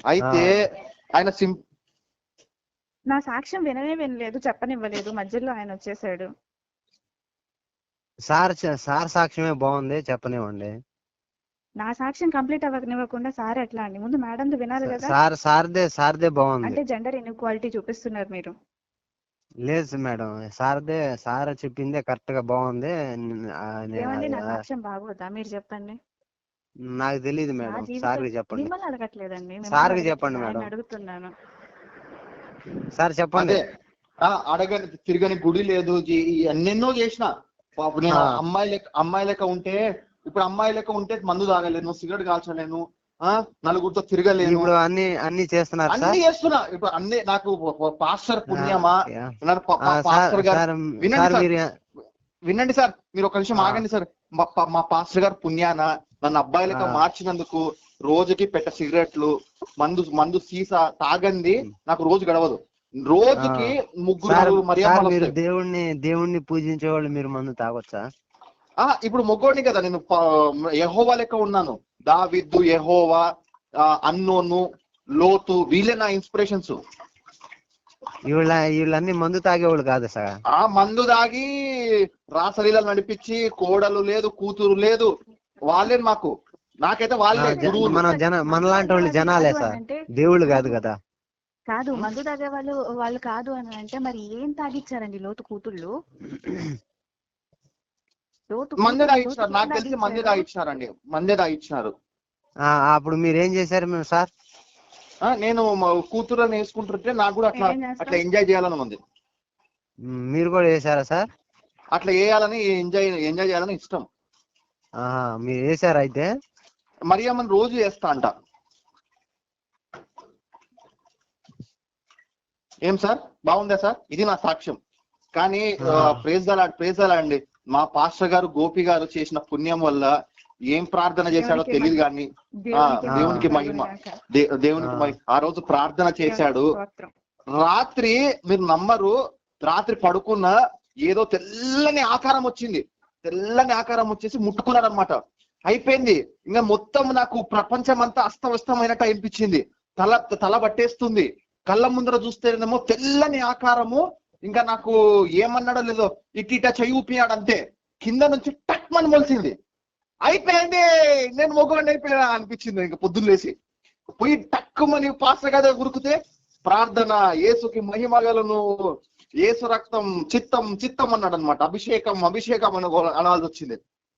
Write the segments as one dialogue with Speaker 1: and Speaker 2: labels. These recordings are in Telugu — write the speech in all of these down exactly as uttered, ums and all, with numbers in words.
Speaker 1: అయితే ఆయన సిం
Speaker 2: నా సాక్ష్యం విననే వినలేదు, చెప్పనివ్వలేదు, మధ్యలో ఆయన వచ్చేసాడు.
Speaker 3: సార్ సార్ సాక్ష్యమే బాగుంది, చెప్పనివ్వండి.
Speaker 2: నా సాక్ష్యం కంప్లీట్ అవ్వనివ్వకుండా సార్ ఎట్లా అండి? ముందు మేడం వినాలి కదా.
Speaker 3: సార్ సార్దే సార్దే బాగుంది.
Speaker 2: అంటే జెండర్ ఇన్ఈక్వాలిటీ చూపిస్తున్నారు మీరు.
Speaker 3: లేదు మేడం, సార్దే సార్ చెప్పిందే కరెక్ట్ గా బాగుంది.
Speaker 2: ఏమండి నా సాక్ష్యం బాగోదా? మీరు చెప్పండి.
Speaker 3: నాకు తెలియదు మేడం, సార్ చెప్పండి.
Speaker 2: మిమ్మల్ని అడగట్లేదండి,
Speaker 3: సార్ చెప్పండి మేడం.
Speaker 2: అడుగుతున్నాను.
Speaker 3: సార్ చెప్పండి.
Speaker 1: అడగని తిరగని గుడి లేదు, ఎన్నెన్నో చేసిన. నేను అమ్మాయి లెక్క అమ్మాయి లెక్క ఉంటే ఇప్పుడు అమ్మాయి లెక్క ఉంటే మందు తాగలేను, సిగరెట్ కాల్చలేను, నలుగురితో తిరగలేను.
Speaker 3: ఇప్పుడు అన్ని అన్ని చేస్తున్నారు,
Speaker 1: అన్ని చేస్తున్నా. ఇప్పుడు అన్ని నాకు పాస్టర్ పుణ్యమా? పాస్టర్ గారు వినండి వినండి సార్, మీరు ఒక నిమిషం ఆగండి సార్. మా పాస్టర్ గారు పుణ్యాన నన్ను అబ్బాయి లెక్క మార్చినందుకు రోజుకి పెట్ట సిగరెట్లు, మందు మందు సీసా తాగంది నాకు రోజు గడవదు. రోజుకి ముగ్గురు
Speaker 3: మీరు దేవుణ్ణి దేవుణ్ణి పూజించే వాళ్ళు మీరు మందు తాగొచ్చా?
Speaker 1: ఆ ఇప్పుడు మొగ్గోడిని కదా నేను, యెహోవా లెక్క ఉన్నాను. దావీదు, యెహోవా, అన్నోను, లోతు, వీళ్ళే నా ఇన్స్పిరేషన్స్.
Speaker 3: వీళ్ళ వీళ్ళన్నీ మందు తాగేవాళ్ళు కాదు సార్.
Speaker 1: ఆ మందు తాగి రాసలీలలు నడిపించి కోడలు లేదు, కూతురు లేదు, వాళ్ళే మాకు. నాకైతే వాళ్ళే గురువులు.
Speaker 3: మన జన మనలాంటి వాళ్ళు జనాలే సార్, దేవుళ్ళు కాదు కదా.
Speaker 2: కాదు, మందు తాగే వాళ్ళు వాళ్ళు కాదు అని అంటే మరి ఏం తాగిచ్చారండి లోతు కూతుళ్ళు?
Speaker 1: మందే తాగిచ్చినారు, నాకు తెలిసి మందే తాగిచ్చినారండి, మందే తాగిచ్చినారు.
Speaker 3: అప్పుడు మీరు ఏం చేశారు మేము సార్?
Speaker 1: నేను కూతురుని వేసుకుంటుంటే నాకు కూడా అట్లా అట్లా ఎంజాయ్ చేయాలని ఉంది.
Speaker 3: మీరు కూడా వేసారా సార్?
Speaker 1: అట్లా వేయాలని, ఎంజాయ్ ఎంజాయ్ చేయాలని ఇష్టం.
Speaker 3: మీరు వేసారా? అయితే
Speaker 1: మరియమ్మని రోజు వేస్తా అంట. ఏం సార్ బాగుందా సార్? ఇది నా సాక్ష్యం. కానీ ప్రేజ్ దలా ప్రేజ్ దలా అండి, మా పాస్టర్ గారు గోపి గారు చేసిన పుణ్యం వల్ల ఏం ప్రార్థన చేశాడో తెలియదు కానీ దేవునికి మహిమ, దేవునికి మహిమ. ఆ రోజు ప్రార్థన చేశాడు. రాత్రి మీరు నమ్మరు, రాత్రి పడుకున్న ఏదో తెల్లని ఆకారం వచ్చింది. తెల్లని ఆకారం వచ్చేసి ముట్టుకున్నాడు అనమాట. అయిపోయింది ఇంకా మొత్తం. నాకు ప్రపంచం అంతా అస్తవ్యస్తమైనట్టు అనిపించింది. తల తల పట్టేస్తుంది. కళ్ళ ముందర చూస్తేనేమో తెల్లని ఆకారము. ఇంకా నాకు ఏమన్నాడో లేదో ఇటు ఇట చెయ్యి ఊపినాడు అంతే. కింద నుంచి టక్ మని మొలిసింది. అయిపోయింది, నేను మొగ్గుని అయిపోయినా అనిపించింది. ఇంకా పొద్దున్న లేసి పోయి టక్కుమని పాస్టర్ గదే ఉరికితే ప్రార్థన, యేసుకి మహిమగలను, యేసు రక్తం, చిత్తం చిత్తం అన్నాడు అనమాట. అభిషేకం అభిషేకం అని అనాల్సి వచ్చింది.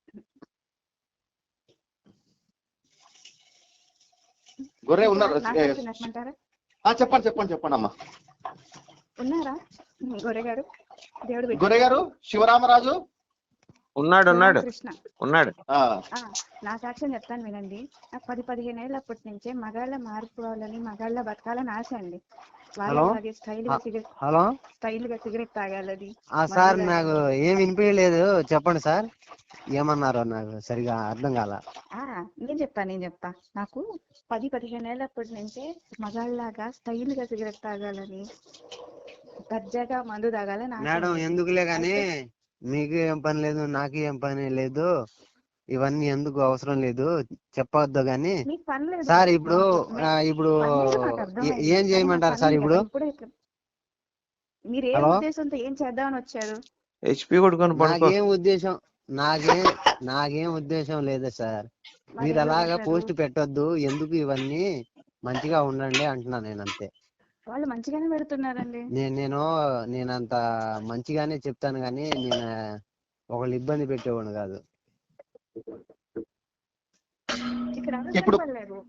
Speaker 1: గొర్రె ఉన్నారు. చెప్పండి చెప్పండి చెప్పండి అమ్మా.
Speaker 2: ఉన్నారా గొర్రె గారు? దేవుడు
Speaker 1: గొర్రె గారు శివరామరాజు
Speaker 4: ఉన్నాడు ఉన్నాడు ఉన్నాడు
Speaker 2: నా సాక్ష్యం చెప్తాను వినండి. నాకు పది పదిహేను ఏళ్ళు అప్పటి నుంచే మగాళ్ళ మారిపోవాలని, మగాళ్ళ బతకాలని ఆశ అండి. వాళ్ళకి స్టైల్ గా సిగరెట్ స్టైల్ గా సిగరెట్ తాగాలని.
Speaker 3: సార్ నాకు ఏం వినిపించలేదు, చెప్పండి సార్. ఏమన్నారో నాకు సరిగా అర్థం కాల.
Speaker 2: నేను చెప్తా నేను చెప్తా నాకు పది పదిహేను ఏళ్ళ అప్పటి నుంచే మగాళ్ళలాగా స్టైల్ గా సిగరెట్ తాగాలని, దర్జాగా మందు తాగాలని.
Speaker 3: మేడం ఎందుకులే గాని, మీకు ఏం పని లేదు, నాకు ఏం పని లేదు, ఇవన్నీ ఎందుకు అవసరం లేదు, చెప్పవద్దు గాని. సార్ ఇప్పుడు ఇప్పుడు ఏం చేయమంటారు సార్? ఇప్పుడు
Speaker 2: మీరు ఏ ఉద్దేశంతో ఏం చేద్దామని వచ్చారు?
Speaker 3: నాకేం ఉద్దేశం నాకేం నాకేం ఉద్దేశం లేదు సార్. మీరు అలాగా పోస్ట్ పెట్టొద్దు, ఎందుకు ఇవన్నీ, మంచిగా ఉండండి అంటున్నా నేను అంతే.
Speaker 2: వాళ్ళు మంచిగానే పెడుతున్నారండి.
Speaker 3: నేను నేను నేనంత మంచిగానే చెప్తాను కానీ నేను ఒకళ్ళు ఇబ్బంది పెట్టేవాడు కాదు.
Speaker 1: ఇప్పుడు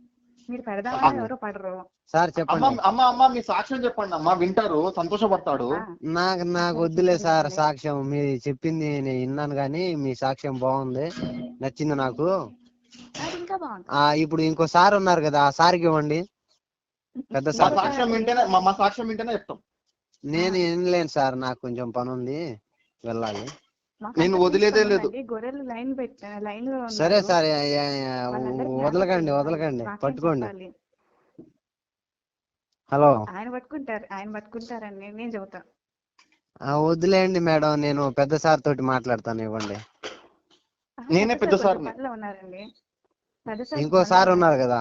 Speaker 3: సార్ చెప్పండి
Speaker 1: అమ్మా. అమ్మ మీ సాక్ష్యం చెప్పండి అమ్మా, వింటారు, సంతోషపడతాడు.
Speaker 3: నాకు నాకు వద్దులే సార్ సాక్ష్యం. మీరు చెప్పింది నేను విన్నాను కానీ మీ సాక్ష్యం బాగుంది, నచ్చింది నాకు. ఇప్పుడు ఇంకో సార్ ఉన్నారు కదా, ఆ సార్కి ఇవ్వండి. పెద్ద సార్
Speaker 1: సాక్ష్యం వింటేనే మా సాక్ష్యం వింటేనే చెప్తాం.
Speaker 3: నేను వినలేను సార్, నాకు కొంచెం పని ఉంది, వెళ్ళాలి.
Speaker 1: నేను వదిలేదే లేదు.
Speaker 3: సరే సార్, వదలకండి వదలకండి, పట్టుకోండి. హలో,
Speaker 2: ఆయన పట్టుకుంటారు ఆయన పట్టుకుంటారని నేను చెబుతా.
Speaker 3: వదిలేయండి మేడం, నేను పెద్ద సార్ తోటి మాట్లాడతాను, ఇవ్వండి.
Speaker 1: నేనే పెద్ద సార్.
Speaker 2: ఉన్నారండి,
Speaker 3: ఇంకో సార్ ఉన్నారు కదా.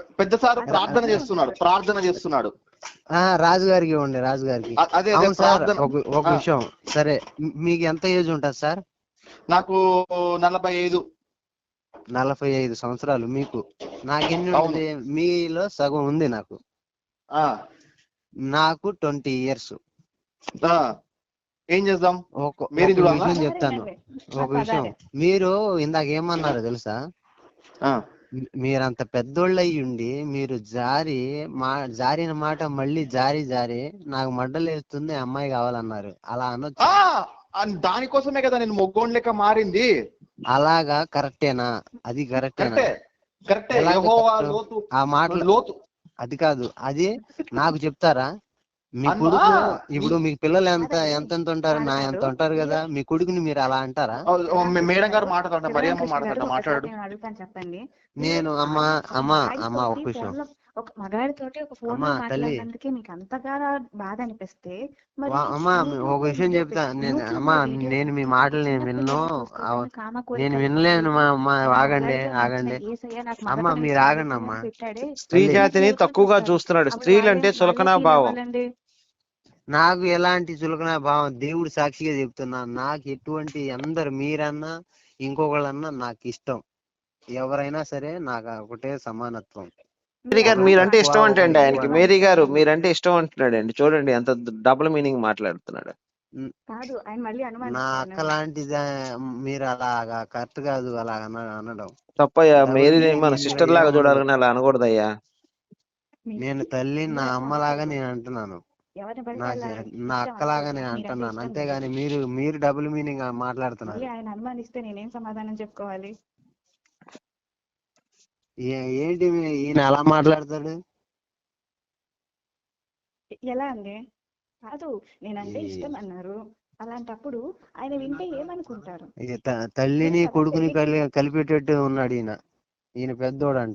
Speaker 1: పెద్ద సార్ ప్రార్థన చేస్తున్నాడు ప్రార్థన చేస్తున్నాడు
Speaker 3: ఆ రాజు గారికి ఇవ్వండి, రాజు గారికి.
Speaker 1: అ- అదే అదే
Speaker 3: అవును సార్,
Speaker 1: ప్రార్థన.
Speaker 3: ఒక ఒక
Speaker 1: ఆ,
Speaker 3: విషయం. సరే, మీ- మీకు ఎంత ఏజ్ ఉంటుంది సార్?
Speaker 1: నాకు నలభై ఐదు.
Speaker 3: నలభై ఐదు సంవత్సరాలు మీకు. నాకెన్ని
Speaker 1: అవును.
Speaker 3: ఉంటుంది? మీలో సగం ఉంది నాకు.
Speaker 1: ఆ,
Speaker 3: నాకు ట్వంటీ ఇయర్స్.
Speaker 1: ఆ, ఏం చేద్దాం?
Speaker 3: ఒక
Speaker 1: మీరు
Speaker 3: ఒక
Speaker 1: ఇది
Speaker 3: విషయం చెప్తాను, ఒక విషయం. మీరు ఇందాక ఏమన్నారో తెలుసా?
Speaker 1: ఆ,
Speaker 3: మీ- మీరంత పెద్దోళ్ళు అయ్యి ఉండి మీరు జారి మా జారిన మాట మళ్ళీ జారి జారి నాకు మడ్డలేస్తుంది అమ్మాయి కావాలన్నారు. అలా అనొచ్చు?
Speaker 1: ఆ, అన్- దానికోసమే కదా నేను మొగ్గోన్ లెక్క మారింది.
Speaker 3: అలాగా కరెక్టేనా? అది కరెక్టేనా?
Speaker 1: కరెక్టే కరెక్టే.
Speaker 3: ఎలాగ
Speaker 1: యెహోవా
Speaker 3: కరెక్ట్?
Speaker 1: లోతు
Speaker 3: ఆ మాటలు
Speaker 1: లోతు
Speaker 3: అది కాదు, అది నాకు చెప్తారా? మీ
Speaker 1: అన్నా,
Speaker 3: కొడుకు
Speaker 1: నీ-
Speaker 3: ఇప్పుడు మీకు పిల్లలు ఎంత
Speaker 2: అదే,
Speaker 3: ఎంత ఎంత ఉంటారు? నా
Speaker 2: కాదు
Speaker 3: ఎంత
Speaker 2: కాదు.
Speaker 3: ఉంటారు కదా, మీ కొడుకుని మీరు అలా అంటారా?
Speaker 1: ఓ, ఓ, మే- మేడం గారు మాట్లాడండి,
Speaker 2: శివరామ
Speaker 1: మరియమ్మ
Speaker 2: కృష్ణ గారు
Speaker 1: మాట్లాడండి,
Speaker 2: ఒకసారి
Speaker 1: మాట్లాడు.
Speaker 2: నేను అడుగుతాను చెప్పండి.
Speaker 3: నేను
Speaker 2: మీరు
Speaker 3: అమ్మా
Speaker 2: ఒక
Speaker 3: అమ్మా
Speaker 2: మగాడి
Speaker 3: అమ్మా
Speaker 2: తోటి
Speaker 3: ఒక విషయం.
Speaker 2: ఫోన్ లో ఒక మగాడితోటి ఒక ఫోన్
Speaker 3: అమ్మా
Speaker 2: లో
Speaker 3: తల్లి,
Speaker 2: మాట్లాడినందుకే మీకు అంతగా బాధ అనిపిస్తే మరి
Speaker 3: వా- అమ్మా
Speaker 2: మీకు
Speaker 3: ఒక విషయం
Speaker 2: వీడియో
Speaker 3: చెప్తా.
Speaker 2: పెట్టి-
Speaker 3: నేను
Speaker 2: యూట్యూబ్
Speaker 3: అమ్మా
Speaker 2: లో వీడియో
Speaker 3: నేను మీ
Speaker 2: పెట్టి
Speaker 3: మాటలు నేను
Speaker 2: చిన్న
Speaker 3: విన్ను.
Speaker 2: పిల్లల్ని చూసుకోవద్దని కామ
Speaker 3: నేను
Speaker 2: కోరికలు
Speaker 3: వినలేను
Speaker 2: కలిగి
Speaker 3: మా మా
Speaker 2: ఆయన
Speaker 3: ఆగండి
Speaker 2: మగాడిగా
Speaker 3: ఆగండి
Speaker 2: మార్చిన యేసయ్య నాకు
Speaker 3: అమ్మ,
Speaker 2: మగతనం
Speaker 3: మీరు
Speaker 2: ఇచ్చాడు,
Speaker 3: ఆగండి అమ్మా.
Speaker 2: పిల్లల్ని పెట్టాడే
Speaker 4: స్త్రీ
Speaker 3: తల్లి,
Speaker 4: జాతిని
Speaker 2: చిన్న పిల్లలకి
Speaker 4: తక్కువగా
Speaker 2: వస్తారు.
Speaker 4: చూస్తున్నాడు.
Speaker 2: అప్పుడు
Speaker 4: స్త్రీలు
Speaker 2: వాళ్ళే
Speaker 4: అంటే
Speaker 2: వాళ్ళే
Speaker 4: చులకనా
Speaker 2: ఫీల్
Speaker 4: భావం.
Speaker 2: అవ్వాలండి.
Speaker 3: నాకు ఎలాంటి చులకన భావం, దేవుడు సాక్షిగా చెప్తున్నా, నాకు ఎటువంటి అందరు మీరన్నా ఇంకొకళ్ళన్నా నాకు ఇష్టం. ఎవరైనా సరే నాకు ఒకటే సమానత్వం.
Speaker 4: మేరీ గారు
Speaker 2: మీరు
Speaker 3: ఒకరు
Speaker 4: మీరంటే
Speaker 2: అలాగే
Speaker 3: తక్కువ
Speaker 4: ఇష్టం
Speaker 3: ఒకరు
Speaker 4: అంటండి
Speaker 3: ఎక్కువ
Speaker 4: ఆయనకి.
Speaker 3: అని.
Speaker 4: మేరీ గారు
Speaker 2: అనుమానిస్తారేమో.
Speaker 4: మీరంటే ఇష్టం అంటున్నాడండి. చూడండి ఎంత డబుల్ మీనింగ్ మాట్లాడుతున్నాడు.
Speaker 2: కాదు, ఆయన మళ్ళీ
Speaker 3: నా
Speaker 2: అనుమానిస్తారు
Speaker 3: అక్క
Speaker 2: నన్ను.
Speaker 3: లాంటిది మీరు అలాగా కరెక్ట్ కాదు అలా అన- అనడం.
Speaker 4: తప్పయ్యా,
Speaker 3: డబుల్
Speaker 4: మేరీ
Speaker 3: మీనింగ్
Speaker 4: మన
Speaker 3: ఇందులో
Speaker 4: సిస్టర్ లాగా
Speaker 3: ఏముండదు.
Speaker 4: చూడాలని అలా అనకూడదయ్యా.
Speaker 3: నేను తల్లి నా
Speaker 2: మీరు అట్లా
Speaker 3: అమ్మలాగా
Speaker 2: అనకూడదు.
Speaker 3: నేను అంటున్నాను.
Speaker 2: ఎవరిని పడితే
Speaker 3: నా
Speaker 2: వాళ్ళ
Speaker 3: నా
Speaker 2: ఇష్టం
Speaker 3: అక్కలాగా
Speaker 2: అనుకోవద్దు.
Speaker 3: నేను
Speaker 2: మీరంటే
Speaker 3: అంటున్నాను,
Speaker 2: ఇష్టం లేదు.
Speaker 3: అంతేగాని మీరు మీరు డబుల్ మీనింగ్
Speaker 2: మళ్ళీ
Speaker 3: మాట్లాడుతున్నారు.
Speaker 2: ఆయన అనుమానిస్తే నేనేం సమాధానం చెప్పుకోవాలి?
Speaker 3: ఏ- ఏంటి మీ- ఈయన అలా మాట్లాడతాడు?
Speaker 2: ఎలా అండి? కాదు, నేనంటే
Speaker 3: ఈ-
Speaker 2: ఇష్టం అన్నారు. అలాంటప్పుడు ఆయన వింటే ఏమనుకుంటారు?
Speaker 3: ఇది త- తల్లిని
Speaker 2: మీరు కదా
Speaker 3: కొడుకుని
Speaker 2: పెళ్లి
Speaker 3: కలి కలిపేటట్టు ఉన్నాడు ఈయన. ఈయన పెద్దోడంట.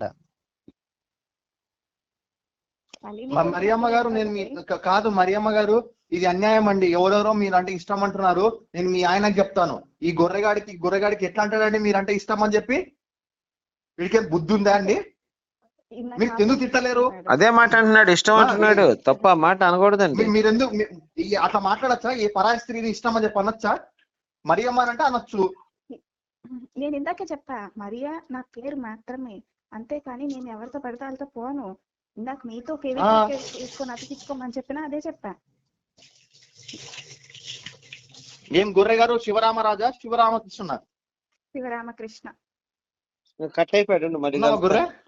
Speaker 2: తల్లిని
Speaker 1: మ-
Speaker 2: కొడుకుని
Speaker 1: మరియమ్మ గారు, నేను మీ
Speaker 2: అర్థం
Speaker 1: క- కాదు మరియమ్మ గారు, ఇది అన్యాయం అండి. ఎవరెవరో మీరంటే ఇష్టం అంటున్నారు. నేను మీ ఆయనకు చెప్తాను, ఈ గొర్రెగాడికి గొర్రెగాడికి ఎట్లా అంటాడండి మీరంటే ఇష్టం అని చెప్పి? వీడికి బుద్ధి ఉందా అండి?
Speaker 2: ఇందాక
Speaker 1: మీరు ఎందుకు తిట్టలేరు?
Speaker 2: మాట్లాడుతున్నాడు.
Speaker 4: అదే మాట అంటున్నాడు, ఇష్టం
Speaker 1: ఆ,
Speaker 4: అంటున్నాడు. తప్ప ఆ మాట అనకూడదండి.
Speaker 1: మీ- మీరెందుకు మీ- ఈ- అట్లా మాట్లాడచ్చా? ఏ పరాయి స్త్రీని ఇష్టం అని చెప్పి అనొచ్చా? మరియమ్మ అని అంటే అనొచ్చు.
Speaker 2: నేను ఇందాకే చెప్పా, మరియా నా పేరు మాత్రమే, అంతేకాని నేను ఎవరితో పడితే వాళ్ళతో పోను. ఇందాక మీతో
Speaker 1: ఆ,
Speaker 2: ఫేవిక్విక్ వేసుకొని అతికించుకోమని చెప్పినా అదే చెప్పా.
Speaker 1: ఏం గొర్రె గారు? శివరామరాజా శివరామకృష్ణ?
Speaker 2: శివరామకృష్ణ.
Speaker 4: కట్ అయిపోయాడు, మరి
Speaker 1: ఉన్నావా గొర్రె?